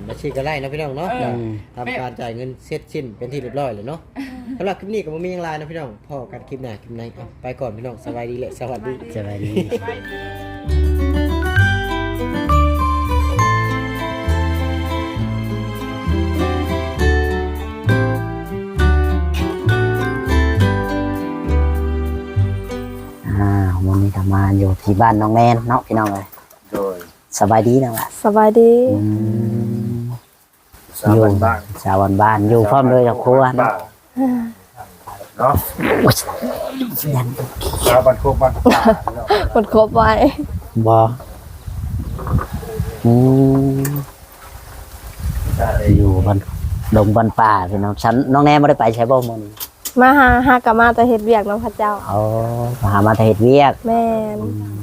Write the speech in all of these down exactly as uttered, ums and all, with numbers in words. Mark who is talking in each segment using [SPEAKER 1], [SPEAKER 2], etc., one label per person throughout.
[SPEAKER 1] บัญชีก็ไล่เนาะพี่น้องเนาะทำการจ่ายเงินเสร็จสิ้นเป็นที่เรียบร้อยเลยเนาะสำหรับคลิปนี้ก็บ่มีหยังหลายนะพี่น้องพอกันคลิปหน้าคลิปไหนเอาไปก่อนพี่น้องสบายดีเลยสวัสดี
[SPEAKER 2] สบายดีอ่าวันนี้ก็มาอยู่ที่บ้านน้องแนนเนาะพี่น้องเลย
[SPEAKER 3] โดย
[SPEAKER 2] สบายดีนะล่ะ
[SPEAKER 4] สบายดี
[SPEAKER 2] อืม
[SPEAKER 3] สาวบ้านบ้าน
[SPEAKER 2] สาวบ้านๆอยู่พร้อมเลยกับครัวเนาะ
[SPEAKER 3] เนาะ
[SPEAKER 2] ยัน
[SPEAKER 3] สาวบ้านโคกบ้านป่า
[SPEAKER 4] หมดครบไว้
[SPEAKER 2] บออืมอยู่บนดงบนป่าพี่น้องฉันน้องแนนไม่ได้ไปใช้บ่มัน
[SPEAKER 4] มาหาหากะมาแต่เฮ็ดเวียกน้ำพระเจ้า
[SPEAKER 2] เอาหามาแต่เฮ็ดเวียก
[SPEAKER 4] แม่น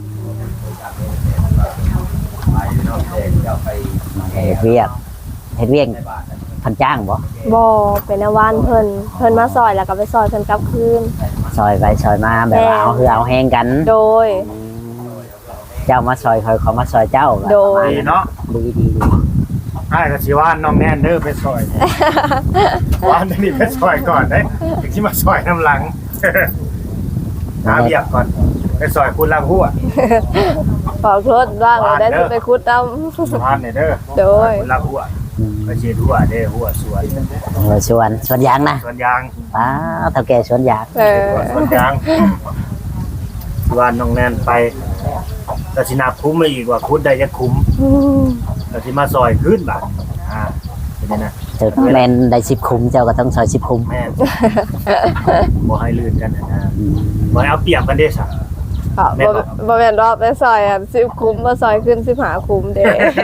[SPEAKER 2] มาแต่เฮ็ดเวียกเฮ็ดเวียกพันจ้างบ่
[SPEAKER 4] บ่เป็นอาวันเพิ่นเพิ่นมาซอยแล้วก็ไปซอยเพิ่นกลับคืน
[SPEAKER 2] ซอยไปซอยมาแบบว่าเอาคือเอาแห้งกัน
[SPEAKER 4] โดย
[SPEAKER 2] เจ้ามาซอยคอยเขามาซอยเจ้า
[SPEAKER 4] โดย
[SPEAKER 3] ดีเนาะ
[SPEAKER 2] ดีดีดี
[SPEAKER 3] ไอ้ก็สิว่าน้องแนนเด้อไปซอยว่าอันนี้ไปซอยก่อนเด้ถึงสิมาซอยน้ำหลังหาเบียกก่อนไปซอยคุณลังหัว
[SPEAKER 4] ขอโทษบ้างได้สิไปคุดเอา
[SPEAKER 3] บ้านนี่เด้อ
[SPEAKER 4] โดย
[SPEAKER 3] คุณลังหัวไปเชียร์หัวเด้อหัวสวน
[SPEAKER 2] เออสวนสวนยางนะ
[SPEAKER 3] สวนยาง
[SPEAKER 2] ป้าเท่าแก่สวนยาง
[SPEAKER 4] เออ
[SPEAKER 3] สวนยางสวนน้องแนนไปก็สินับคุ้มเลยอีกว่าคุดได้จะคุ้ม
[SPEAKER 4] อืม
[SPEAKER 3] ก็สิมาซอยขึ้นบาดอ่าเป็นยังไง
[SPEAKER 2] เจ้าแมนได้สิบคุ้มเจ้าก็ต้องซอยสิบคุ้ม
[SPEAKER 3] แม่นบ่ให้ลื่นกันนะนะ
[SPEAKER 2] อืม
[SPEAKER 3] บ่ให้เอาเปรียบกันเด้ซะ
[SPEAKER 4] ค่ะบ่บ่แม่นรอบไปซอยอ่ะสิบคุ้มบ่ซอยขึ้นสิบห้าคุ้มเด้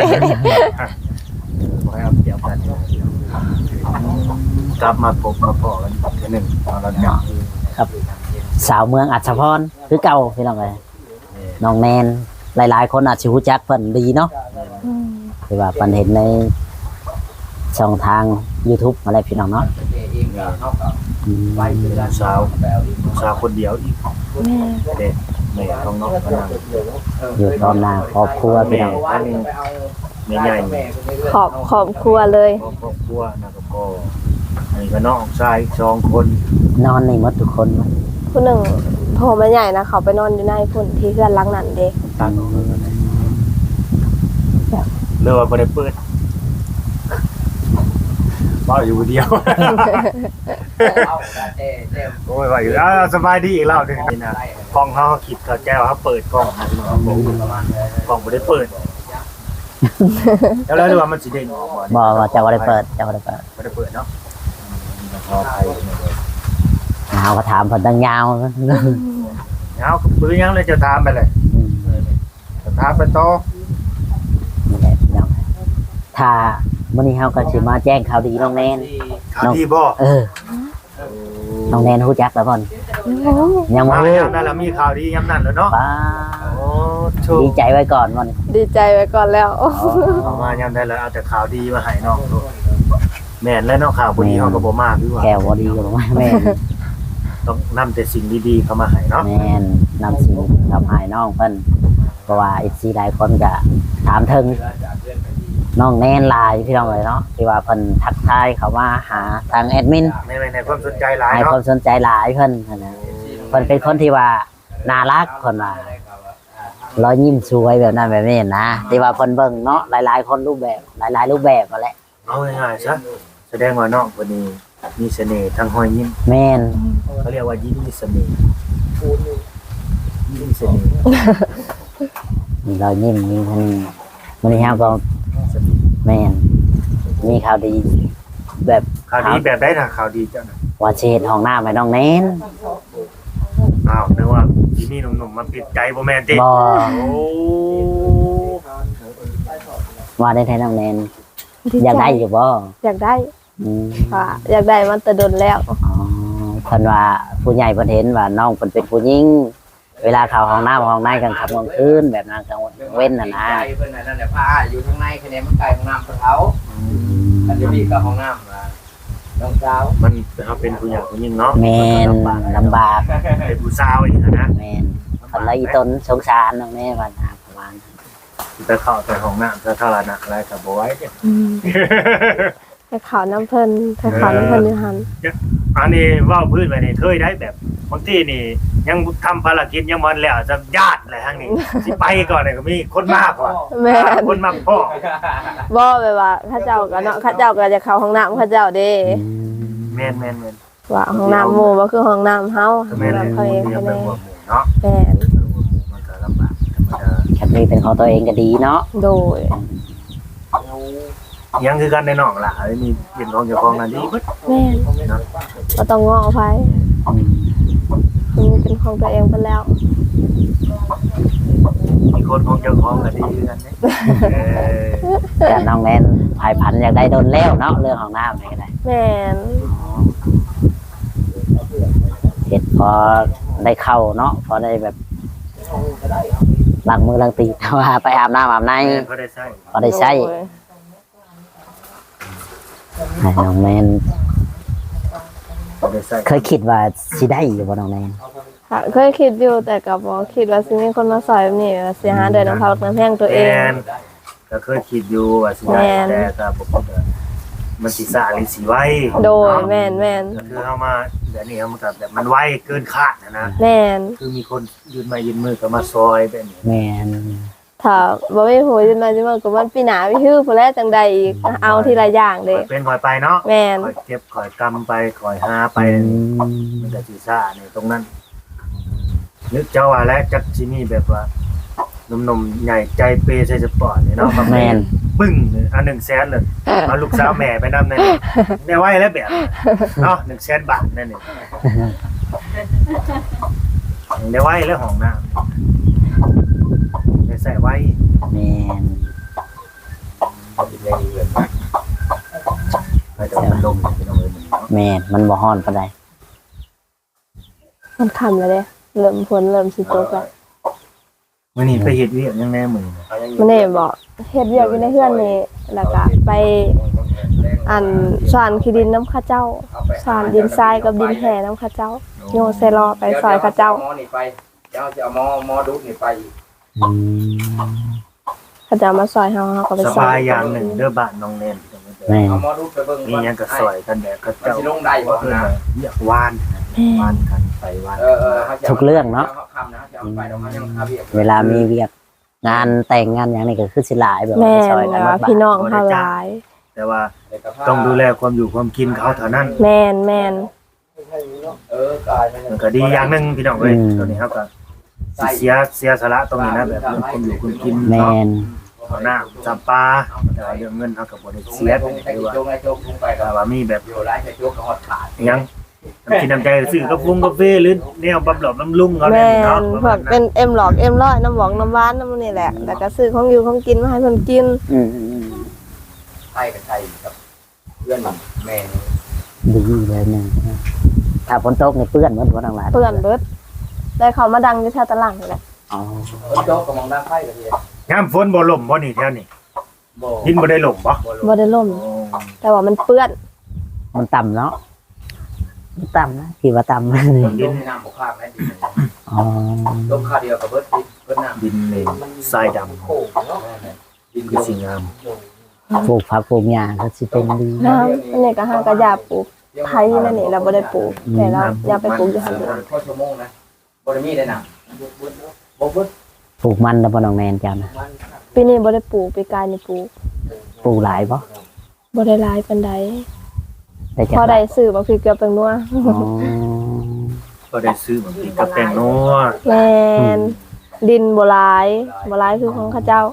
[SPEAKER 3] บ่ให้เอาเปรียบกันกลับมาพบมาพอกันอีกเทื่อหนึงตอนเราจับ
[SPEAKER 2] ครับ สาวเมืองอัศพรคือเก่าพี่น้องเลยน้องแนนหลายๆ คนอาจจะรู้จักเพิ่นดีเนาะ
[SPEAKER 4] อืม
[SPEAKER 2] คือว่าเพิ่นเห็นในช่องทาง YouTube อะไรพี่น้องเนาะอืม
[SPEAKER 3] สาวสาวคนเดียวอีก
[SPEAKER 4] แม่
[SPEAKER 3] เด็กแม่ของน้องพนัง
[SPEAKER 2] อยู่ตอนหน้าครอบครัวพี่
[SPEAKER 3] แม่
[SPEAKER 2] น้อง
[SPEAKER 3] อันนี้แม่ใหญ่แม่
[SPEAKER 4] ขอบขอบครัวเลย
[SPEAKER 3] ครอบครัวนะก็พ่ออันนี้ก็น้องชายอีกสองคน
[SPEAKER 2] นอนในหมดทุกคน
[SPEAKER 4] ผู้หนึ่งโทรมาใหญ่นะเขาไปนอนอยู่ในพุ่นที่เพื่อนหลังนั้นเด้
[SPEAKER 3] ตัดเลือกว่าบ่ได้เปิดว่าอยู่คนเดียว โอ้ยว่าอยู่อ่าสบายดีอีกแล้วหนึงนี่นะกล้องเขาคิดเขาแก้วเขาเปิดกล้องนะพี่น้องบอกกล้องบ่ได้เปิด แล้วแล้วดูว่ามันสิเด้งออกบ่
[SPEAKER 2] บ่ว่าเจ้าบ่ได้เปิดเจ้าบ่ได้เปิด
[SPEAKER 3] บ่ได้เปิดเนาะขออภัย
[SPEAKER 2] เฮาก็ถามเพิ่นตั้งยาว
[SPEAKER 3] เอาปืนยังเลยจะถามไปเลย
[SPEAKER 2] อืม
[SPEAKER 3] จะถามไปต่อ
[SPEAKER 2] นี่แหละพี่น้องถ้ามื้อนี้เฮาก็สิมาแจ้งข่าวดีน้องแนน
[SPEAKER 3] ข่าวดีบ่
[SPEAKER 2] เออ น้องแนนรู้จักแล้วบ่นยังบ่
[SPEAKER 3] มา
[SPEAKER 2] รู้
[SPEAKER 3] ยามนั้นแล้วมีข่าวดียามนั้นแล้วเนาะ
[SPEAKER 2] ป้า
[SPEAKER 3] โอ้โชค
[SPEAKER 2] ดีใจไว้ก่อนบ่น
[SPEAKER 4] ดีใจไว้ก่อนแล้ว
[SPEAKER 3] เอามายามได้แล้วเอาแต่ข่าวดีมาให้น้องลูกแม่นแล้วเนาะข่าวบ่ดีเฮาก็บ่มากคือว่า
[SPEAKER 2] แก้วบ่ดีก็บ่แม่น
[SPEAKER 3] ต้องนำแต่สิ่งดีๆเข้ามาให้เนาะ
[SPEAKER 2] แม่นนำสิ่งทำให้น้องเพิ่นเพราะว่า เอฟ ซี หลายคนก็ถามถึงน้องแนนหลายพี่น้องเลยเนาะที่ว่าเพิ่นทักทายเขามาหาทางแอดมิน
[SPEAKER 3] ในในความสนใจหลาย
[SPEAKER 2] ให้ค
[SPEAKER 3] เนาะ
[SPEAKER 2] วามสนใจหลายเพิ่นนั่นนะเพิ่นเป็นคนที่ว่าน่ารักคนว่ารอยยิ้มสวยแบบนั้นแบบนี้นะที่ว่าเพิ่นเบิ่งเนาะหลายๆคนรูปแบบหลายๆรูปแบบนั่นแหละ
[SPEAKER 3] เอาง่ายๆซะแสดงว่าน้องคนนี้มีเสน่ห์ทางห้อยยิ้ม
[SPEAKER 2] แม่น
[SPEAKER 3] เขาเรียกว่ายิ้มมีเสน่ห์ยิ้มมีเสน่ห์
[SPEAKER 2] มีรอยยิ้มมีเพิ่นมื้อนี้เฮาก็
[SPEAKER 3] เสน่ห์
[SPEAKER 2] แม่นมีข่าวดีแบบ
[SPEAKER 3] ข่าวดีแบบได้นะข่าวดีเจ้าน่ะ
[SPEAKER 2] ว่าสิเฮ็ดห้องน้ำให้น้องแนน
[SPEAKER 3] อ้าวนึกว่าที่นี่หนุ่มๆมาปิดใจบ่แม่นติ
[SPEAKER 2] บ่
[SPEAKER 3] โอ้
[SPEAKER 2] ว่าได้แท้น้องแนน
[SPEAKER 4] ดีใจ
[SPEAKER 2] อยากได้อยู่บ่
[SPEAKER 4] อยากได้
[SPEAKER 2] อืม
[SPEAKER 4] ค่ะอยากได้มันแต่โดนแล้ว
[SPEAKER 2] อ๋อเพิ่นว่าผู้ใหญ่เพิ่นเห็นว่าน้องเพิ่นเป็นผู้หญิงเวลาเข้าห้องน้ำห้องในกลางค่ำกลางคืนแบบนั้นกลางวันเว้นน่ะนะ
[SPEAKER 5] ใจเพิ่นนั่นแหละผ้าอยู่ข้างในคะแนนมันไกลห้องน้ำเพิ่นเขาอันจะมีกับห้องน้ำมาน้องสาว
[SPEAKER 3] มันเขาเป็นผู้ใหญ่ผู้หญิงเนาะ
[SPEAKER 2] แม่นลำบาก
[SPEAKER 3] เป็นผู้สาวอีกนะ
[SPEAKER 2] แม่นเพิ่นเลยอีตนสงสารน้องแม่ว่านะประมาณนั้น
[SPEAKER 3] ไปเข้าแต่ห้องน้ำสาธารณะอะไรก็บ่ไหวเด้
[SPEAKER 4] อืมไปขาวน้ำเพิ่นไปขาวน้ำเพิ่นอยู่หัน
[SPEAKER 3] อันนี้เว้าพื้นไว้นี่เคยได้แบบบางทีนี่ยังทำภารกิจยังบ่แล้วจะญาติอะไรทั้งนี้สิไปก่อนนี่ก็มีคนมากกว่า
[SPEAKER 4] แม่น
[SPEAKER 3] คนมากพ่อ
[SPEAKER 4] บ่แบบว่าเข้าเจ้าก็เนาะเข้าเจ้าก็จะเข้าห้องน้ำเข้าเจ้าเด้
[SPEAKER 3] แม่นแม่นแม่น
[SPEAKER 4] ว่าห้องน้ำหมู่บ่คือห้องน้ำเฮา
[SPEAKER 3] ก็
[SPEAKER 4] ห้อง
[SPEAKER 3] แม่นเลย
[SPEAKER 4] น้ำเขาเอง
[SPEAKER 3] เรีย
[SPEAKER 4] เขา
[SPEAKER 3] ก
[SPEAKER 4] แน่
[SPEAKER 3] เป็นหัวหมู่เนาะ
[SPEAKER 4] แม่น
[SPEAKER 3] มันก็ลำบากธรรมดา
[SPEAKER 2] แค่นี้เป็นของตัวเองก็ดีเนาะ
[SPEAKER 4] โดย
[SPEAKER 3] ยังคือกันในน้องล่ะไอ้นี่เป็นของเจ้าของนั่นดีเบิด
[SPEAKER 4] แม่น
[SPEAKER 3] เนาะ
[SPEAKER 4] บ่ต้องง้อไผ
[SPEAKER 2] อืม
[SPEAKER 4] มันเป็นของตัวเองไปแล้ว
[SPEAKER 3] มีคนของเจ้าของก็ดีคือกันเด้เออ
[SPEAKER 2] แต่น้องแนนภายพันธุ์อยากได้โดนแล้วเนาะเรื่องของน้ำนี่ก็ได้
[SPEAKER 4] แม่น
[SPEAKER 2] เห็ดพอได้เข้าเนาะพอได้แบบล้างมือล้างตีน แต่ว่าไปอาบน้ำอาบใน
[SPEAKER 3] แม่นเขาได้ใช้
[SPEAKER 2] พอได้ใช้
[SPEAKER 4] โดย
[SPEAKER 2] ให้น้องแนน
[SPEAKER 3] เขาได้ใช้
[SPEAKER 2] เคยคิดว่าสิได้อยู่บ่น้องแนน
[SPEAKER 4] ค่ะเคยคิดอยู่แต่ก็บ่คิดว่าสิมีคนมาซอยแบบนี้ว่าสิหาเดินน้ำพักน้ำแห้งตัวเอง
[SPEAKER 3] แม่นก็เคยคิดอยู่ว่าสิได้
[SPEAKER 4] แม่น
[SPEAKER 3] แต่ก็บ่คิดว่ามันสิสาหรือสิไว
[SPEAKER 4] โดยแม่นแม่น
[SPEAKER 3] ก็คือเฮามาเดี๋ยวนี้เฮามันก็แบบมันไวเกินคาดนะนะ
[SPEAKER 4] แม่น
[SPEAKER 3] คือมีคนยืนไมายืนมือก็มาซอยแบบนี้
[SPEAKER 2] แม่น
[SPEAKER 4] ถ้าบ่มีผู้ยืนมาจังว่าก็มันปีหน้าไปฮื้อผู้แลจังใดอีกเอาทีละอย่างเด้
[SPEAKER 3] คอยเป็นคอยไปเนาะ
[SPEAKER 4] แม่น
[SPEAKER 3] คอยเก็บคอยกำไปคอยหาไป
[SPEAKER 2] อืม
[SPEAKER 3] มันก็สิซ่านี่ตรงนั้น นึกเจ้าว่าแล้วจักสิมีแบบว่าหนุ่มๆใหญ่ใจเปย์ใส่สปอร์ตนี่เนาะ
[SPEAKER 2] แม่น
[SPEAKER 3] ปึ้งอันหนึ่งแสนเลยเอาลูกสาวแม่ไปนำนั่นได้ไว้แล้วแบบเนาะหนึ่งแสนบาทนั่นนี่ได้ไว้แล้วห้องน้ำได้ใส่ไว้
[SPEAKER 2] แม่น
[SPEAKER 3] ไปแต่มันลมอยู่ตรงนี้เนาะ
[SPEAKER 2] แม่นมันบ่ฮ้อนปานใด
[SPEAKER 4] มันค่ำแล้วเด้เริ่มฝนเริ่มสิตกแล้ว
[SPEAKER 3] มื้อนี้ไปเฮ็ดเวียกยังแน่มื้อนี้
[SPEAKER 4] มันนี่บอกเฮ็ดเวียกอยู่ในเฮือนนี่แล้วก็ไปอันสานขี้ดินน้ำข้าเจ้าสานดินทรายกับดินแห่น้ำข้าเจ้าโยเซรอไปซอยข้าเจ้า
[SPEAKER 5] หมอนี่ไปเดี๋ยวจะเอาหมอหมอดูนี่ไปอีก
[SPEAKER 2] อืม
[SPEAKER 4] ข้าเจ้ามาซอยเฮาเฮาก็ไป
[SPEAKER 3] ส
[SPEAKER 4] ซอบ
[SPEAKER 3] าย
[SPEAKER 4] ย
[SPEAKER 3] อย่างหนึ่งเด้อบ้านน้องแนน
[SPEAKER 2] แม่น
[SPEAKER 5] เอาหมอดูไปเบิ่ง
[SPEAKER 3] มีหยังก็ซอยกันแบบเขา
[SPEAKER 5] มัน
[SPEAKER 3] เจ้า
[SPEAKER 5] สิลงได้บ่
[SPEAKER 3] เพิ่น
[SPEAKER 5] นะ
[SPEAKER 3] ว่าอยากวานวานกันไปวาน
[SPEAKER 5] เออเออ
[SPEAKER 2] ทุกเรื่องเนาะ
[SPEAKER 5] คำนะจะเอาไปเดี๋ยวเขายังหาเวียก
[SPEAKER 2] เวลามีเวียกงานแต่งงานอย่างนี้ก็คือสิหลายแบบ
[SPEAKER 4] แม่
[SPEAKER 2] ว่าซอย
[SPEAKER 4] น
[SPEAKER 2] กัน
[SPEAKER 4] ว่า
[SPEAKER 2] บ้า
[SPEAKER 4] พี่น้องเฮาหลาย
[SPEAKER 3] แต่ว่าต้องดูแลความอยู่ความกินเขาเท่านั้น
[SPEAKER 4] แม่นแม่น
[SPEAKER 5] เออกายมัน
[SPEAKER 3] มันก็ดีอย่างหนึงพี่น้องเอ้ยตอนนี้เขาก็สิเสียเสียสละตรงนี้นะแบบเรื่องความอยู่ความกิน
[SPEAKER 2] แม่
[SPEAKER 3] เนาะ
[SPEAKER 2] น
[SPEAKER 3] เอาน้ำจำปาแต่ว่าเรื่องเงินเขาก็บ่ได้
[SPEAKER 5] ลง
[SPEAKER 3] เสีย
[SPEAKER 5] แล้ว
[SPEAKER 3] ต
[SPEAKER 5] ผ
[SPEAKER 3] รง
[SPEAKER 5] ม
[SPEAKER 3] นี้
[SPEAKER 5] ใช้
[SPEAKER 3] คือว่า
[SPEAKER 5] โจงไอ้โจงลงไปก็
[SPEAKER 3] แต่ว่ามีแบบ
[SPEAKER 5] อยู่หลายใช้โจงก็ฮอดขาด
[SPEAKER 3] อิหยังน้ำกินน้ำใจซื้อกาแฟกาแฟหรือแนวบำหลอบำรุงเขา
[SPEAKER 4] แม่
[SPEAKER 3] เนี่ยเนาะ
[SPEAKER 4] นพวกเป็นเอ็มหลอกเอ็มร้อยน้ำหวองน้ำหวานน้ำนี่แหละแล้วก็ซื้อของอยู่ของกินมาให้เพิ่นกิน
[SPEAKER 2] อืมอืมอืม
[SPEAKER 5] ไทยกับไทยกับเพื่อนแม่
[SPEAKER 2] ดีเลยหนึงถ้าฝนตกนี่เปื้อนหมดบ่ทั้งหลาย
[SPEAKER 4] เปื้อนเบิดได้เขามาดังอยู่แถวตลาดนี่แหละ
[SPEAKER 2] อ๋อ
[SPEAKER 5] โจกกับมองด้านไทยกับเฮีย
[SPEAKER 3] ยามฝนบ่ล่มบ่นี่แถวนี้
[SPEAKER 5] บ่
[SPEAKER 3] ดินบ่ได้ล่มบ่
[SPEAKER 4] บ่ได้ล่ม
[SPEAKER 3] โอ้
[SPEAKER 4] แต่ว่ามันเปื้อน
[SPEAKER 2] มันต่ำเนาะมันต่ำนะที่ว่าต่ำนี่
[SPEAKER 5] ดินน้ำบ่ข้างนะดิน
[SPEAKER 2] อ๋อ
[SPEAKER 5] ลงค่าเดียวกับเบิดดินเบิดน้ำ
[SPEAKER 3] ดินเลยทรายดำ
[SPEAKER 5] โค้งเนาะดิน
[SPEAKER 3] คือสิ่งงาม
[SPEAKER 2] ปลูกผักปลูกหญ้าก็สิเป็นดี
[SPEAKER 4] น้ำอันนี้ก็ห้างกระยาปลูกไทยนั่นนี่เราบ่ได้ปลูกแต่เราอย่าไปปลูกอยู่หั่นเด้อ
[SPEAKER 5] ข้อชั่วโมงนะบ่ได้มีได้น้ำบ่เบิด
[SPEAKER 2] ปลูกมันแล้วบ่น้องแนนเจ้านะ
[SPEAKER 4] ปีนี้บ่ได้ปลูกปีกายนี่ปลูก
[SPEAKER 2] ปลูกหลายบ่
[SPEAKER 4] บ่ได้หลายปานใด
[SPEAKER 2] ได้จัก
[SPEAKER 4] พอได้ซื้อบ่คือเกือบเป็นนัว
[SPEAKER 2] อ๋อ
[SPEAKER 3] ก็ได้ซื้อบางทีกับแตงนัว
[SPEAKER 4] แม่นดินบ่หลายบ่หลายคือของเขาเจ้า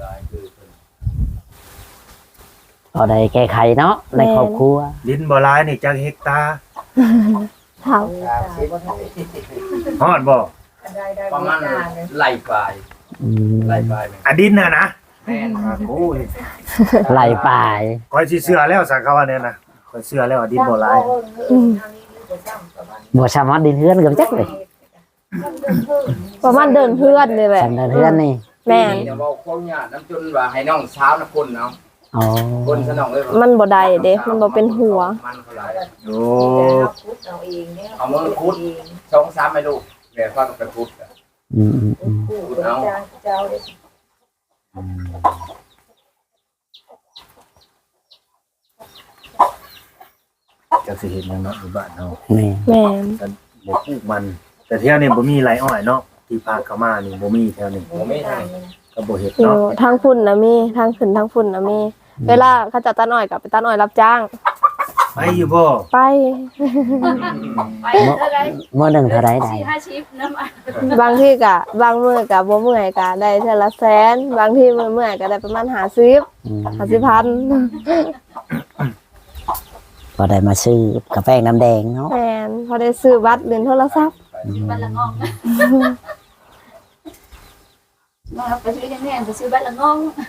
[SPEAKER 2] พอได้แก้ไขเนาะในครอบครัว
[SPEAKER 3] ดินบ่หลายนี่จักเฮกตาร์
[SPEAKER 4] เท่า
[SPEAKER 3] ฮอดบ่
[SPEAKER 5] ประมาณไหลปลาย
[SPEAKER 2] อืม
[SPEAKER 5] ไหลปลาย
[SPEAKER 3] อะดินน่ะนะ
[SPEAKER 5] แม่น
[SPEAKER 3] โอ้ย
[SPEAKER 2] ไหลป่าย
[SPEAKER 3] คอยสิเชื่อแล้วสักเขาว่าเนี่ยนะคอยเชื่อแล้วว่าดินบ่หลาย
[SPEAKER 4] อืม
[SPEAKER 2] บ่สามารถดินเฮือนกับจักเลย
[SPEAKER 4] ประมาณเดินเพื่อนนี่แหละ
[SPEAKER 2] สำเดินเฮือนนี่
[SPEAKER 4] แม่น
[SPEAKER 5] เดี๋ยวเว้าคนญาติน้ำจนว่าให้น้องเช้านะคนเนาะ
[SPEAKER 2] อ๋อ
[SPEAKER 5] คนสนองเลย
[SPEAKER 4] มันบ่ได้เด้มันบ่เป็นหัว
[SPEAKER 5] มันเขาหลาย
[SPEAKER 3] โอ้
[SPEAKER 5] เอามือคุดสองสามไม่ลูกเดี๋ยวฟังไปคุด
[SPEAKER 2] อืมอืมอืม
[SPEAKER 5] คุดเอา
[SPEAKER 3] จะสิเห็นยังเนาะอยู่บ้านเนาะ
[SPEAKER 2] แม่
[SPEAKER 4] แม่น
[SPEAKER 3] แต่บ่ปลูกมัน แต่เที่ยวนี้บ่มีไรอ้อยเนาะที่พาเข้ามานี่บ่มีแถวนี้
[SPEAKER 5] ผมไม่ได้
[SPEAKER 3] ก็บ่เฮ็ด
[SPEAKER 4] อยู่
[SPEAKER 3] เนาะ
[SPEAKER 4] ทางพุ่นนะมีทางขึ้นทางพุ่นนะมีเวลาเขาจะตัดอ้อยกับไปตัดอ้อยรับจ้าง
[SPEAKER 3] ไปอยู่บ่
[SPEAKER 4] ไป
[SPEAKER 6] ไปเท่าไร
[SPEAKER 2] มื้อหนึงเท่าใดได้
[SPEAKER 6] สี่ห้าชิปน้ำอ่ะ
[SPEAKER 4] บางที่กะบางมื้อก็บ่เมื่อยก็ได้เทื่อละแสนบางที่มื้อเมื่อยก็ได้ประมาณห้าสิบ
[SPEAKER 2] อืม
[SPEAKER 4] ห้าสิบพัน
[SPEAKER 2] พอได้มาซื้อกาแฟน้ำแดงเนาะ
[SPEAKER 4] แม่นพอได้ซื้อบัตรเล่นโทรศัพท์
[SPEAKER 6] บัตรละงองมาไปซื้อยังไงไปซื้อบัตรละงอง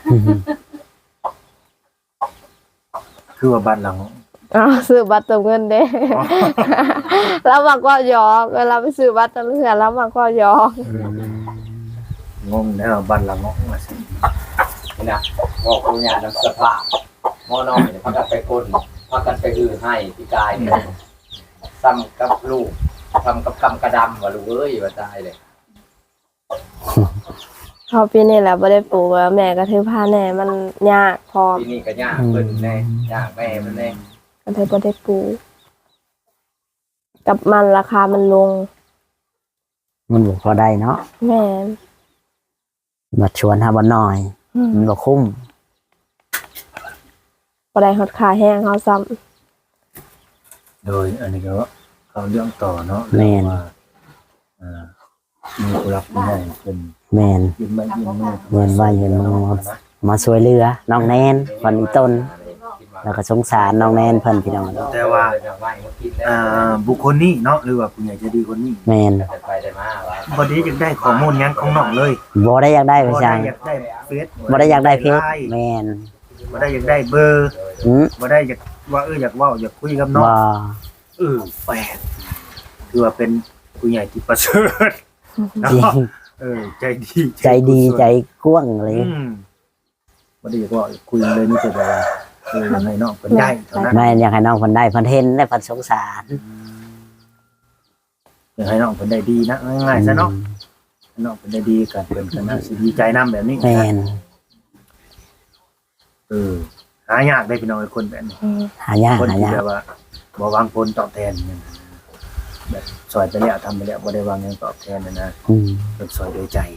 [SPEAKER 3] คือว่าบ้านหลัง
[SPEAKER 4] อ้าวซื้อบัตรเติมเงินเด้ แล้วมักว่าหยอกเวลาไปซื้อบัตรแต่ละเทื่อแล้วมักว่าหยอก
[SPEAKER 3] งงแน่บ้านหลังงงว่าสิ
[SPEAKER 5] นี่นะบอกคุณยาน้ำสภาพหม้อน้อยเนี่ยพักกันไปก้นพักกันไปอือให้พี่กายเนี่ยซ้ำกับลูกทำกับกำกระดำว่าลูกเอ้ยว่าตายเลย
[SPEAKER 4] พอปีนี้แหละบ่ได้ปลูกแล้วแม่ก็ถือผ้าแน่มันยากพอ
[SPEAKER 5] ปีนี้ก็ยากเพิ่นแน่ยากแม่มันแน่
[SPEAKER 4] ก็เลยบ่ได้ปลูกกับมันราคามันลง
[SPEAKER 2] มันบ่พอได้เนาะ
[SPEAKER 4] แม่น
[SPEAKER 2] มาชวนหาบ่น้อย
[SPEAKER 4] อืม
[SPEAKER 2] มันบ่คุ้ม
[SPEAKER 4] บ่ได้ฮอดค่าแห้งเฮาซ้ำ
[SPEAKER 3] โดยอันนี้ก็เขาเรื่องต่อเนาะ
[SPEAKER 2] แม่น
[SPEAKER 3] ว่าอ่ามีผู้รักผู้ใหญ่เพิ่น
[SPEAKER 2] แม่น
[SPEAKER 3] ยืนไม้ยืนมือ
[SPEAKER 2] เงินว่าเงินมือมาช่วยเหลือน้องแนนวันอีต้น แล้วก็สงสารน้องแนนเพิ่นพี่น้อง
[SPEAKER 3] แต่ว่าอ่าบุคคลนี้เนาะหรือว่าผู้ใหญ่ใจดีคนนี้
[SPEAKER 2] แม่น
[SPEAKER 5] ไปได้มาว่า
[SPEAKER 3] บ่ได้อยากได้ข้อมูลหยังของน้องเลย
[SPEAKER 2] บ่ได้อยากได้ไป
[SPEAKER 3] บ่
[SPEAKER 2] จั
[SPEAKER 3] ได้
[SPEAKER 2] ง
[SPEAKER 3] อยากได้เฟซ
[SPEAKER 2] บ่ได้อยากได้เพชร
[SPEAKER 3] ไลน์
[SPEAKER 2] แม่น
[SPEAKER 3] บ่ได้อยากได้เบอร์
[SPEAKER 2] อืม
[SPEAKER 3] บ่ได้อยากว่าเอออยากเว้าอยากคุยกับน้อง
[SPEAKER 2] บ่
[SPEAKER 3] เออแปลกคือว่าเป็นผู้ใหญ่ที่ประเสริฐเนาะ
[SPEAKER 2] จริง
[SPEAKER 3] เออใจดี
[SPEAKER 2] ใจดีใจกว้างเลย
[SPEAKER 3] อืมบ่ได้อยากเว่าอยากคุยเลยนี่แต่ว่าเออยังไงน้องเพิ่นได้เท่านั้น
[SPEAKER 2] แม่นอยากให้น้องเพิ่นได้เพิ่นเห็นและเพิ่นสงสาร
[SPEAKER 3] อยากให้น้องเพิ่นได้ดีนะง่ายๆซะเนาะน้องเพิ่นได้ดีกันเพิ่นก็น่าสิดีใจนํแบบนี้
[SPEAKER 2] แม่น
[SPEAKER 3] เออหายากได้พี่น้องไอ้คนแบบนี้
[SPEAKER 2] หายาก
[SPEAKER 3] คน
[SPEAKER 2] หา
[SPEAKER 3] ที่
[SPEAKER 2] ยาก
[SPEAKER 3] แบบว่าบ่หวังผลตอบแทนเนี่ยแบบซอยไปแล้วทำไปแล้วบ่ได้หวังหยังตอบแทนนะนะ
[SPEAKER 2] อืม
[SPEAKER 3] เป็นซอยโดยใจ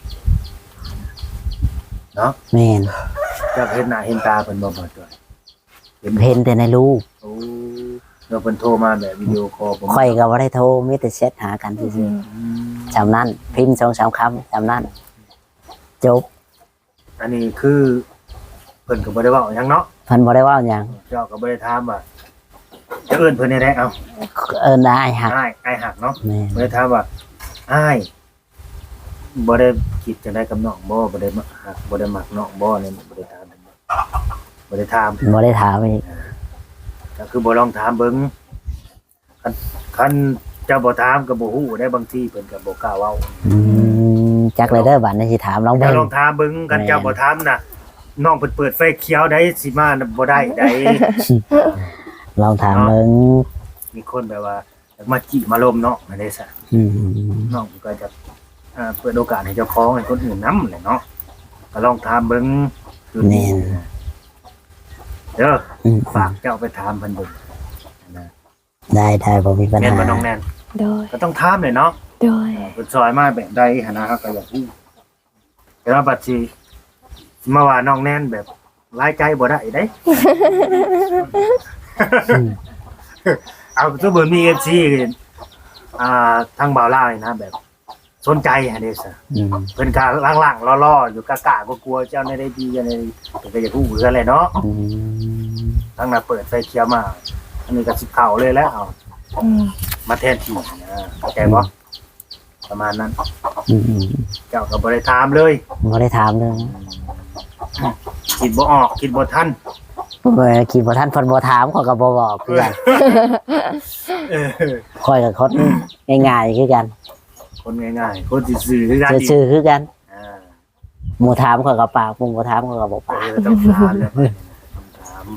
[SPEAKER 3] เนาะ
[SPEAKER 2] แม่น
[SPEAKER 3] จะเห็นหน้าเห็นตาเพิ่นบ่บ่ตัวเห็น
[SPEAKER 2] เห็นแต่ในรูป
[SPEAKER 3] โอ้เราเพิ่นโทรมาแบบวิดีโอคอลผม
[SPEAKER 2] ข่อยก็บ่ได้โทรมีแต่แชทหากันซื่อ
[SPEAKER 3] อืม
[SPEAKER 2] ๆจำนั้นพิมพ์สองสามคำจำนั้นจบ
[SPEAKER 3] อันนี้คือเพิ่นก็บ่ได้เว้าหยังเนาะ
[SPEAKER 2] เพิ่นบ่ได้เว่าหยัง
[SPEAKER 3] เจ้าก็บ่ได้ถามว่าจะเอิ้นเพิ่นได้ได้เอ้า
[SPEAKER 2] เอิ้นได้หัก
[SPEAKER 3] อ้ายอ้ายหักเนาะ
[SPEAKER 2] แม่น
[SPEAKER 3] บ่ได้ถามว่าอ้ายบ่ได้คิดจังได๋กับน้องบ่บ่ได้มักหักบ่ได้มักน้องบ่เนี่ยบ่ได้ถามบ่ได้ถาม
[SPEAKER 2] บ่ได้ถามอีก
[SPEAKER 3] ก็คือบ่ลองถามเบิ่งคันคันเจ้าบ่ถามก็บ่ฮู้ได้บางทีเพิ่นก็บ่กล้าเว้า
[SPEAKER 2] อืมจักเลยเด้อบัดนี้สิถามลอง
[SPEAKER 3] เจ้า
[SPEAKER 2] เบิ่ง
[SPEAKER 3] ลองถามเบิ่งคัน
[SPEAKER 2] แม่น
[SPEAKER 3] เจ้าบ่ถามน่ะน้องเพิ่นเปิดไฟเขียวได้สิมาน่ะบ่ได้ได้
[SPEAKER 2] ลองถามเบิ่ง
[SPEAKER 3] มีคนแบบว่าอยากมาจีมาลมเนาะอันนี้ซะ
[SPEAKER 2] อืม
[SPEAKER 3] น้องก็จะอ่าเปิดโอกาสให้เจ้าของให้คนอื่นนำแหละเนาะก็ลองถามเบิ่งดูดีเด้อ
[SPEAKER 2] อืม
[SPEAKER 3] ฝากเจ้าไปถามเพิ่นเบิ่งนะ
[SPEAKER 2] ได้ได้บ่มีปัญ
[SPEAKER 3] แม่น
[SPEAKER 2] หา
[SPEAKER 3] บ่น้องแน่น
[SPEAKER 4] โดย
[SPEAKER 3] ก็ต้องถามเลยเนาะ
[SPEAKER 4] โดย
[SPEAKER 3] เพิ่นซอยมาแบบใดหั่นนะก็อยากรู้แต่ว่าบัดสิมาว่าน้องแน่นแบบรายใจบ่ได้เด้ เอาสมมุติมี เอฟ ซี อ่าทางบ่าวลาวนี่นะแบบสนใจหั่นเด้ซะ
[SPEAKER 2] อืม
[SPEAKER 3] เพิ่นก็ล่างๆล่อๆอยู่กะกะกลัวๆเจ้าในได้ดีจังได๋เพิ่นก็อยากรู้คือกันแหละเนาะ
[SPEAKER 2] อืม
[SPEAKER 3] ทางน่ะเปิดไฟเขียวมา อันนี้ก็สิเข้าเลยแล้วเอา
[SPEAKER 4] อืม
[SPEAKER 3] มาแทนที่นะเข้าใจบ่ประมาณนั้น
[SPEAKER 2] อืมอืม
[SPEAKER 3] เจ้าก็บ่ได้ถามเลย
[SPEAKER 2] บ่ได้ถามเลย
[SPEAKER 3] คิดบ่ออกคิดบ่ทัน
[SPEAKER 2] เมื่อกี้บ่ทันเพิ่นบ่ถามข้อยก็บ่บอกคือกัน
[SPEAKER 3] เออ
[SPEAKER 2] ข้อยก็คนง่ายๆคือกัน
[SPEAKER 3] คนง่ายๆคนซื่อๆคือกันอีก
[SPEAKER 2] ซื่อๆคือกัน
[SPEAKER 3] อ่า
[SPEAKER 2] หมู่ถามข้อยก็ปากหมู่บ่ถามข้อยก็บ่
[SPEAKER 3] เอ
[SPEAKER 2] ปาก
[SPEAKER 3] อต้องถามแล้วต้องถาม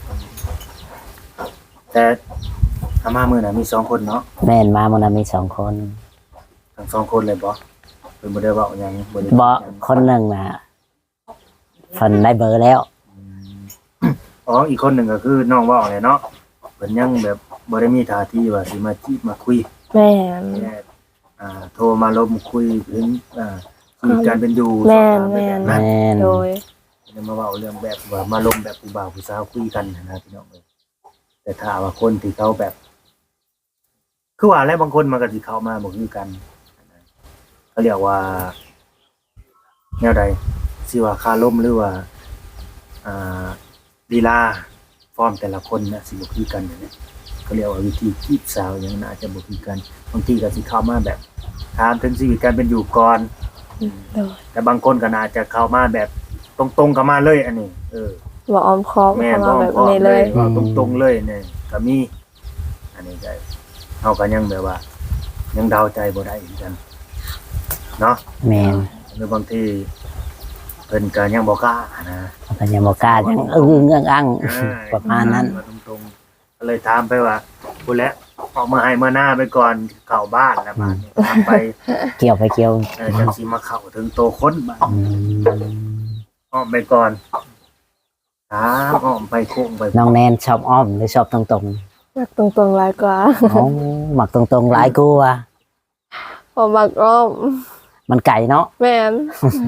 [SPEAKER 3] แต่อามามื้อน่ะมีสองคนเนาะ
[SPEAKER 2] แม่นมามื้อนั้นมีสองคน
[SPEAKER 3] ทั้งสองคนเลยบ่เพิ่นบ่ได้เว้าหยังบ่ได้
[SPEAKER 2] บ่คนหนึงน่ะเพิ่นได้เบอร์แล้ว
[SPEAKER 3] อ๋ออีกคนหนึ่งก็คือน้องว่าเลยเนาะเพิ่นยังแบบบ่ได้มีท่าทีว่าสิมาจีบมาคุย
[SPEAKER 4] แม่น
[SPEAKER 3] แค่อ่าโทรมาลมคุยถึงอ่าชีวิตการเป็นอยู่
[SPEAKER 4] แม่น
[SPEAKER 3] สอบถามไปแบบ
[SPEAKER 2] แม่
[SPEAKER 3] นั้น
[SPEAKER 2] น
[SPEAKER 4] โดย
[SPEAKER 3] จะมาเว้าเรื่องแบบว่ามาลมแบบผู้บ่าวผู้สาวคุยกันนะพี่น้องเอ้ยแต่ถ้าว่าคนที่เขาแบบ คือว่าแล้วบางคนมันก็สิเข้ามาบ่คือกันเขาเรียกว่าแนวใดสิว่าคาลมหรือว่าอ่าลีลาฟอร์มแต่ละคนน่ะสิบ่คือกันอย่างนี้เขาเรียกว่าวิธีจีบสาวอย่างน่าจะบ่คือกันบางทีก็สิเข้ามาแบบถามถึงชีวิตการเป็นอยู่ก่อน
[SPEAKER 4] โดย
[SPEAKER 3] แต่บางคนก็น่าจะเข้ามาแบบตรงๆกับมาเลยอันนี้เออ
[SPEAKER 4] บ่ออมคอม
[SPEAKER 3] แม่
[SPEAKER 4] เข้า
[SPEAKER 3] บ
[SPEAKER 4] มา
[SPEAKER 3] อก
[SPEAKER 4] แบบ
[SPEAKER 3] พ่อ
[SPEAKER 4] นี้
[SPEAKER 3] เล
[SPEAKER 4] เลย ย
[SPEAKER 3] บอกตรงๆเลยเนี่ยก็มี อันนี้ก็เฮาก็ยังแบบว่า ยังเดาใจบ่ได้เหมือนกันเนาะ
[SPEAKER 2] แม่น
[SPEAKER 3] หรือบางทีเพิ่นก็ยังบ่กล้านะ
[SPEAKER 2] เพิ่นยังบ่กล้ายังอึ้งๆอัง
[SPEAKER 3] อ่า
[SPEAKER 2] ๆประมาณนั้น
[SPEAKER 3] ว่าตรงๆก็เลยถามไปว่าพูดแล้วออกมาให้มาหน้าไปก่อนเข้าบ้านแล้วบาดนี้ถามไป
[SPEAKER 2] เกี่ยวไปเกี่ยว
[SPEAKER 3] เออจังสิมาเข้าถึงโตคนบาด
[SPEAKER 2] อืม
[SPEAKER 3] อ้อมไปก่อนถามอ้อมไปโค้งไป
[SPEAKER 2] น้องแนนชอบอ้อมหรือชอบตรง
[SPEAKER 4] มักตรงๆหลายกว่า
[SPEAKER 2] ๆอ๋อมักตรงๆหลายกว่า
[SPEAKER 4] บ่มักอ้อม
[SPEAKER 2] มันไก่เนาะ
[SPEAKER 4] แม่น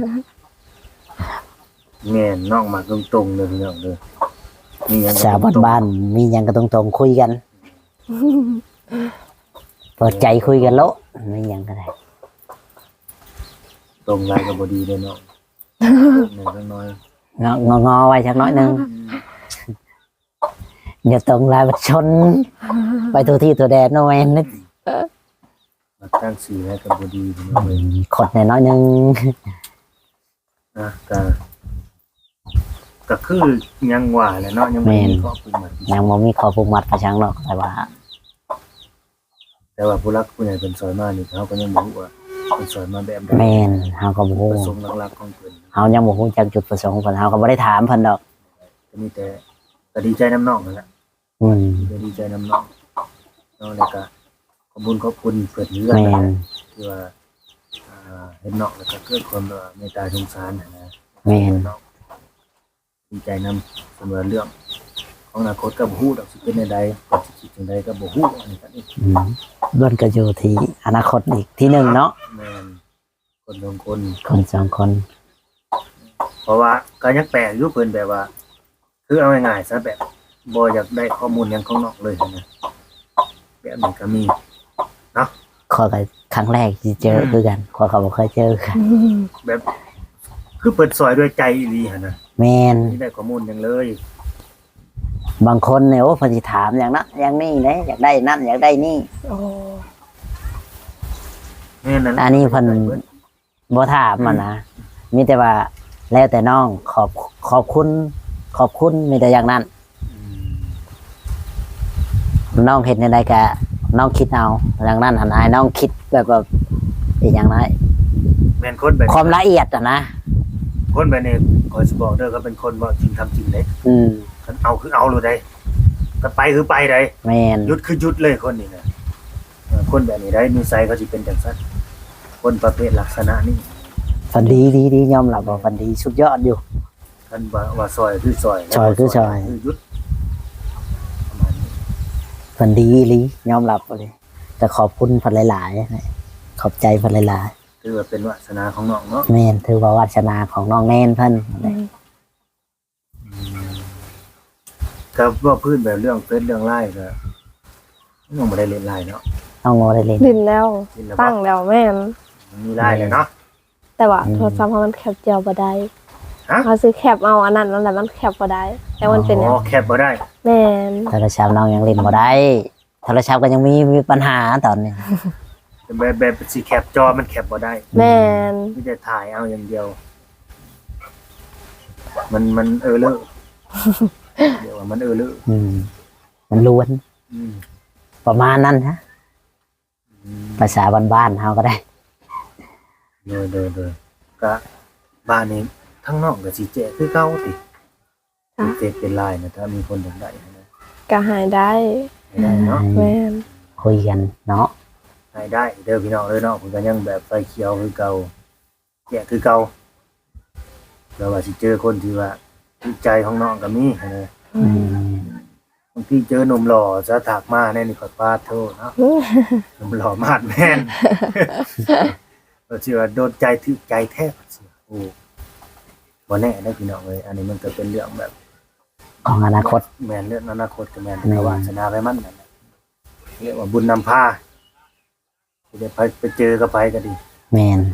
[SPEAKER 3] แม่นน้องมาตรงๆเลยพี่น้องเด้อมีหยังก็
[SPEAKER 2] ชาว
[SPEAKER 3] ตรงๆ
[SPEAKER 2] บ้านๆมีหยังก็ตรงๆคุยกันเปิดใจคุยกันโลมีหยังก็ได้
[SPEAKER 3] ตรงไรกับบดีเลยเนาะหนึ่งก็น้อย
[SPEAKER 2] งองอๆไว้สักน้อยหนึงอย่าตรงลายมันชน ไปตัวที่ตัวแดนโนแมนนึก
[SPEAKER 3] มาตั้งสีให้กับบดีพี่น้องเลย
[SPEAKER 2] ขดหน่อยน้อยหนึง
[SPEAKER 3] นะก็ก็คือยังว่าแหละเนาะยังไม่มีข้อพึงหมาย
[SPEAKER 2] ยังบ่มีข้อผูกมัดกระชังหรอกแต่ว่า
[SPEAKER 3] แต่ว่าผู้รักผู้ใหญ่เป็นซอยมานี่เขาก็ยังบ่รู้ว่าเป็นซอยมาแบบใด
[SPEAKER 2] แม่นเฮาก็บ่ฮู้
[SPEAKER 3] ประสงค์หลักๆของเพิ่น
[SPEAKER 2] เฮายังบ่ฮู้จักจุดประสงค์เพิ่นเฮาก็บ่ได้ถามเพิ่นดอก
[SPEAKER 3] ก็มีแต่ก็ดีใจน้ำน้องนั่นแหละ
[SPEAKER 2] อืม
[SPEAKER 3] ก็ดีใจน้ำน้องเนาะแล้วก็ขอบคุณขอบคุณเพิ่นเรื่อย
[SPEAKER 2] แม่
[SPEAKER 3] นะ
[SPEAKER 2] น
[SPEAKER 3] ที่ว่าอ่าเห็นน้องแล้วก็เกิดความเอ่อเมตตาสงสารนะนะ
[SPEAKER 2] แม่น
[SPEAKER 3] ดีใจนำสำหรับเรื่องของอนาคตก็บ่ฮู้ดอกสิเป็นใดๆก็สิคิดจังใดก็บ่ฮู้อันนี้ก็นี่
[SPEAKER 2] อืมเบิ่นก็อยู่ที่อนาคตอีกที่หนึ่งเนาะ
[SPEAKER 3] แม่นคนสองคน
[SPEAKER 2] คนสองคน
[SPEAKER 3] เพราะว่าก็ยังแปลกอยู่เพิ่นแบบว่า คือเอาง่ายๆซะแบบบ่อยากได้ข้อมูลหยังของนอกเลยนะแบบนี้ก็มี
[SPEAKER 2] ขอยก็ครั้งแรกที่เจอคือกันขอยก็บ่เคยเจอกัน
[SPEAKER 3] แบบ คือเปิดซอยด้วยใจอีหลีหั่นน่ะ
[SPEAKER 2] แม่น
[SPEAKER 3] ไม่ได้ข้อมูลหยังเลย
[SPEAKER 2] บางคนเนี่ยโอ้เพิ่นสิถามอย่างนั้นอย่างนี้เด้อยากได้นั่นอยากได้นี่
[SPEAKER 4] โอ้
[SPEAKER 3] แม่นนั่น
[SPEAKER 2] อันนี้เพิ่น บ่ถามมันนะมีแต่ว่าแล้วแต่น้องขอบขอบคุณ ขอบคุณมีแต่อย่างนั้น น้องเห็นในใดก็น้องคิดเอาอย่างนั้นหันให้น้องคิดแบบแบบอีกอย่างไร
[SPEAKER 3] แม่นคนแบบ
[SPEAKER 2] ความละเอียดอ่ะนะ
[SPEAKER 3] คนแบบนี้ขอสิบอกเด้อก็เป็นคนเว้าจริงทำจริงเด้
[SPEAKER 2] อืม
[SPEAKER 3] คันเอาคือเอาเลยได้ก็ไปคือไปได้
[SPEAKER 2] แมน
[SPEAKER 3] หยุดคือหยุดเลยคนนี้นะเออคนแบบนี้ได้นิสัยเขาสิเป็นจังซั่นคนประเภทลักษณะนี้
[SPEAKER 2] ฟันดีดีดียอมรับว่าฟันดีสุดยอดอยู่
[SPEAKER 3] ท่านว่าว่าซอยคือซอย
[SPEAKER 2] ซอยคือซอย
[SPEAKER 3] คือหยุดประมาณนี้
[SPEAKER 2] ฟันดีอีหลียอมรับเลยแต่ขอบคุณพันหลายๆนะขอบใจพันหลาย
[SPEAKER 3] ถือว่าเป็นวาสนาของน้องเนาะ
[SPEAKER 2] ๆแมนถือว่าวาสนาของน้องแนนเพิ่น
[SPEAKER 3] ก็ว่าพื้นแบบเรื่องเฟซเรื่องไล่ก็น้องบ่ได้เล่นไล่เนาะ
[SPEAKER 2] น้องโมได้เล่น
[SPEAKER 4] ดินแล้ว
[SPEAKER 3] เล่นแล้ว
[SPEAKER 4] ตั้งแล้วแม่น
[SPEAKER 3] มันมีไล่เลยเนาะ
[SPEAKER 4] แต่ว่า
[SPEAKER 2] อืม
[SPEAKER 4] โทรศัพท์เขามันแคปเจียวบ่ได้
[SPEAKER 3] ฮะ
[SPEAKER 4] เขาซื้อแคปเอาอันนั้นนั่นแหละมันแคปบ่ได้แต่มันเป็น
[SPEAKER 3] อ๋อแคบบ่ได้
[SPEAKER 4] แม่น
[SPEAKER 2] โทรศัพท์น้องยังเล่นบ่ได้โทรศัพท์ก็ยังมีมีปัญหาตอนนี้
[SPEAKER 3] แต่แบบแบบสิแคปจอมันแคปบ่ได้
[SPEAKER 4] แม่น
[SPEAKER 3] มีแต่ถ่ายเอาอย่างเดียว มันมันเออเลอะ เดี๋ยวว่ามันเออเลอะ
[SPEAKER 2] อืมมันล้วน
[SPEAKER 3] อืม
[SPEAKER 2] ประมาณนั้นฮะภาษาบ้านๆเฮาก็ได้
[SPEAKER 3] เดยเดยเดยก็บ้านนี้ทั้งนอกกับสีเจคือเก้าติเป็นเฟซเป็นไลน์นะถ้ามีคนอยากได้นะ
[SPEAKER 4] ก็หายได้
[SPEAKER 3] ให้ได้เนาะ
[SPEAKER 4] แม่น
[SPEAKER 2] คุยกันเนาะ
[SPEAKER 3] ให้ได้เด้อพี่น้องเลยเนาะผมก็ยังแบบไฟเขียวคือเก่าแยกคือเก่าแล้วว่าสิเจอคนที่ว่าจิตใจของน้องก็มีนะ
[SPEAKER 2] อืม
[SPEAKER 3] บางทีเจอหนุ่มหล่อจะถากมาแน่นี่ขอปาดโทษเนาะหนุ่มหล่อมาดแม่นเราเชื่อว่าโดนใจถึกใจแทบโอ้บ่แน่ได้พี่น้องเลยอันนี้มันก็เป็นเรื่องแบบ
[SPEAKER 2] ของอนาคต
[SPEAKER 3] แม่นเรื่องอนาคตก็แม่น
[SPEAKER 2] แม่น
[SPEAKER 3] แต่ว่าชนะไปมันนั่นแหละเรียกว่าบุญนำพาสิได้ไปไปเจอกับไปก็ดี
[SPEAKER 2] แม่น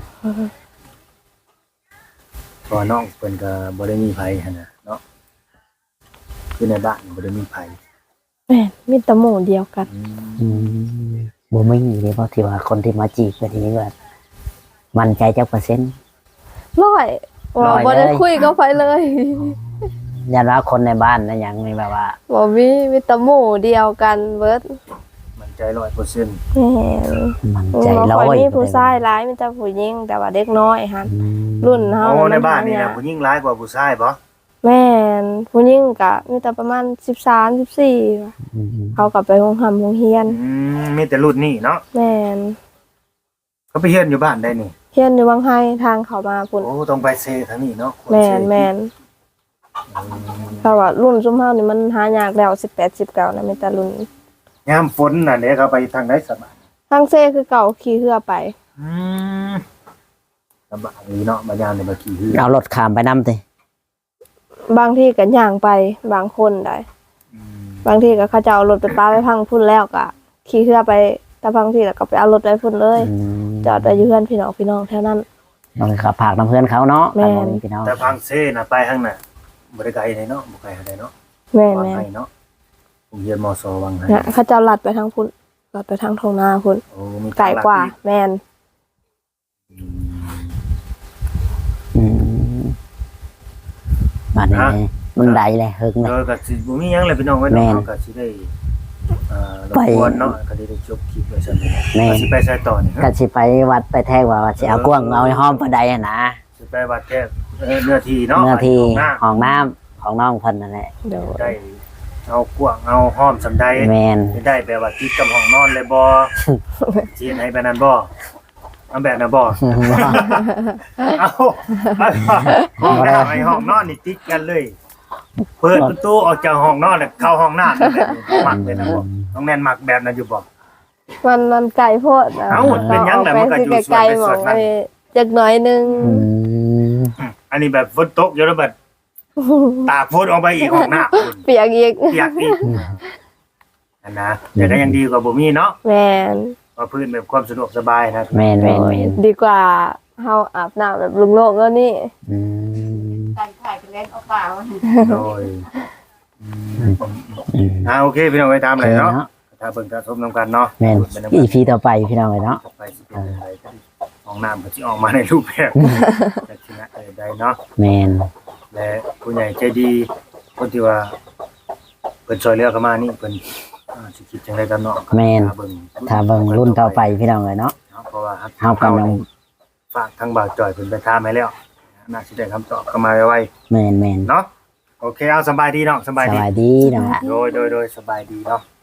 [SPEAKER 3] เพอน้องเพิ่นก็บ่ได้มีไผหั่นน่ะเนาะคือในบ้านบ่ได้มีไผ
[SPEAKER 4] แม่นมีแต่หมู่เดียวกัน
[SPEAKER 3] อืม
[SPEAKER 2] อืมบ่มีเลยเพราะที่ว่าคนที่มาจีบก็ทีนี้ว่ามั่นใจจักเปอร์เซ็นต์
[SPEAKER 4] ร้อยว่า
[SPEAKER 2] ร้อย
[SPEAKER 4] บ่ได้
[SPEAKER 2] เลย
[SPEAKER 4] คุยกับไผเลย
[SPEAKER 2] ยันว่าคนในบ้านนะยังมีแบบว่า
[SPEAKER 4] บ่มีมีแต่หมู่เดียวกันเบิด
[SPEAKER 3] มั่นใจ ร้อยเปอร์เซ็นต์
[SPEAKER 4] แม่น
[SPEAKER 2] มั่น
[SPEAKER 4] บ่
[SPEAKER 2] ใจร้
[SPEAKER 4] ค่
[SPEAKER 2] อ
[SPEAKER 4] อย
[SPEAKER 2] ย
[SPEAKER 4] มีผู้ชายหลายมีแต่ผู้หญิงแต่ว่าเด็กน้อยหั่น
[SPEAKER 2] อืม
[SPEAKER 4] รุ่นเฮา
[SPEAKER 3] โอ้ใน
[SPEAKER 4] มั
[SPEAKER 3] บ้านนี่
[SPEAKER 4] ห
[SPEAKER 3] นะ
[SPEAKER 4] ยาก
[SPEAKER 3] ผู้หญิงร้ายกว่าผู้ชายบ่
[SPEAKER 4] แม่นผู้หญิงก็มีแต่ประมาณสิบสาม สิบสี่ว่ะ
[SPEAKER 2] อืม
[SPEAKER 4] เขาก็ไปโรงหำโรงเรียน
[SPEAKER 3] อืมมีแต่รุ่นนี้เนาะ
[SPEAKER 4] แม่น
[SPEAKER 3] เขาไปเฮียนอยู่บ้านได้นี่
[SPEAKER 4] เรียนอยู่บางไห้ทางเขามาพุ่น
[SPEAKER 3] โอ้ต้องไปเซทางนี้เนาะ
[SPEAKER 4] แม่นแม่นเพราะว่ารุ่นซุมเฮานี่มันหายากแล้วสิบแปด สิบเก้านะมีแต่รุ่น
[SPEAKER 3] ยามฝนน่ะเด้เขาไปทางไหนสบาย
[SPEAKER 4] ทางเซคือเก่าขี่เรือไป
[SPEAKER 3] อืมลำบากนี้เนาะมายามเนี่ยมาขี่เรือ
[SPEAKER 2] เอารถข้ามไปนำติ
[SPEAKER 4] บางที่ก็ย่างไปบางคนได้
[SPEAKER 3] อืม
[SPEAKER 4] บางที่ก็เขาจะเอารถไปป้าไปพังพุ่นแล้วก็ขี่เรือไปแต่บางที่แล้วก็ไปเอารถไปพุ่นเลย
[SPEAKER 2] อืม
[SPEAKER 4] จอดไว้อยู่เพื่อนพี่น้องพี่น้องแถวนั้น
[SPEAKER 2] ต้องขับผากน้ำเพื่อนเขาเนาะ
[SPEAKER 4] แม่น
[SPEAKER 2] ทางพี่น้อง
[SPEAKER 3] แต่พังเซน่ะไปทางน่ะบ่ได้ไกลเลยเนาะบ่ไกลเท่าใดเนาะ
[SPEAKER 4] แม่น
[SPEAKER 3] วาง
[SPEAKER 4] แม่น
[SPEAKER 3] ให้เนาะโรงเรียนมสวังให้
[SPEAKER 4] เนี่ยเขาจะลัดไปทางพุ่นลัดไปทางทงนาพุ่น
[SPEAKER 3] โอ้มี
[SPEAKER 4] ไกลกว่า แม่น
[SPEAKER 3] อืม
[SPEAKER 2] อืมบ้านนี้มันใดเลยเฮิงเลย
[SPEAKER 3] เออก็สิบ่มีหยังเลยพี่น้องไว้
[SPEAKER 2] แม่
[SPEAKER 3] เนาะ
[SPEAKER 2] น
[SPEAKER 3] ก็สิได้อ่ารบ
[SPEAKER 2] ไป
[SPEAKER 3] กวนเนาะก็ได้ได้จบคลิปไว้ซั่น
[SPEAKER 2] แม่น
[SPEAKER 3] ก็สิไปใส่ต่อนี่
[SPEAKER 2] ก็สิไปวัดไปแท้ว่าว่าสิเอากว้างเอาให้ห้อมปานใดอะนะ
[SPEAKER 3] สิไปวัดแค่เอ่อเนื้อที่เนาะ
[SPEAKER 2] เมื่อที่
[SPEAKER 3] หน้า
[SPEAKER 2] ห้องน้ำของน้องเพิ่นนั่นแหละ
[SPEAKER 4] เดี๋ยว
[SPEAKER 3] ได้เอากว้างเอาห้อมสำใด
[SPEAKER 2] แม่น
[SPEAKER 3] ไม่ได้แบบว่าติดกับห้องนอนเลยบ่เจียนให้แบบนั้นบ่เอาแบบนั้นบ่เอาห้องน้ำไอ้ห้องนอนนี่ติดกันเลย เปิดประตูออกจากห้องนอนแล้วเข้าห้องน้ำนั่นแหละมักเป็นนะบ่ต้องแน่นมักแบบนั้นอยู่บ่
[SPEAKER 4] มันมันไกลโพดะ
[SPEAKER 3] เอ้าเป็นหยังแหละมันก็อยู่ส่วน
[SPEAKER 4] ไกล
[SPEAKER 3] ไป
[SPEAKER 4] ๆหม
[SPEAKER 3] ส่
[SPEAKER 4] อ
[SPEAKER 3] วน
[SPEAKER 4] ง
[SPEAKER 3] นั้น
[SPEAKER 4] ไอ้จักหน่อยหนึง
[SPEAKER 2] อืม
[SPEAKER 3] อันนี้แบบฝนตกอยู่แล้วแบบตากฝนออกไปอีกห้องน้ำ
[SPEAKER 4] เปียกอีก
[SPEAKER 3] เปียกอีกอันนะแต่ก็ยังดีกว่าบ่มีเนาะ
[SPEAKER 4] แม่น
[SPEAKER 3] ว่าพื้นแบบความสะดวกสบายนะ
[SPEAKER 2] แม่นแม่นแม่น
[SPEAKER 4] ดีกว่าเฮาอาบน้ำแบบลุงโลกแล้วนี่
[SPEAKER 2] อืม
[SPEAKER 6] การถ่ายกันเล่นเอาเปล่า
[SPEAKER 3] โดยอืม
[SPEAKER 2] อืม
[SPEAKER 3] อ่าโอเคพี่น้องไปตาม
[SPEAKER 2] โอ
[SPEAKER 3] เล
[SPEAKER 2] เค
[SPEAKER 3] ยเนาะ
[SPEAKER 2] เนาะ
[SPEAKER 3] ถ้าเบิ่งถ้าชมนํกันเนาะ
[SPEAKER 2] แม่น
[SPEAKER 3] เป็น
[SPEAKER 2] อีพีต่อไปพี่น้องเลยเนาะ
[SPEAKER 3] ไปสิเป็นอะไรกันห้องน้ำก็สิออกมาในรูปแบบลักษณะใดๆเนาะ
[SPEAKER 2] แม่น
[SPEAKER 3] และผู้ใหญ่ใจดีคนที่ว่าเพิ่นช่วยเหลือเข้ามานี่เพิ่นอ่าสิคิดจังไดกันเนาะ
[SPEAKER 2] แม่น
[SPEAKER 3] ถ้าเบิ่ง
[SPEAKER 2] ถ้าเบิ่งรุ่นต่อไปพี่น้องเลยเนาะ
[SPEAKER 3] เนาะเพราะว่า
[SPEAKER 2] เฮากำลัง
[SPEAKER 3] ฝากทางบ่าวจ่อยเพิ่นไปถามให้แล้วน่าสิได้คำตอบเข้ามาไว
[SPEAKER 2] แม่นแม่น
[SPEAKER 3] ๆเนาะโอเคเอาสบายดีเนาะสบาย
[SPEAKER 2] ส
[SPEAKER 3] ดี
[SPEAKER 2] วัสดีเนาะ
[SPEAKER 3] โดยโดยโดยสบายดีเนาะ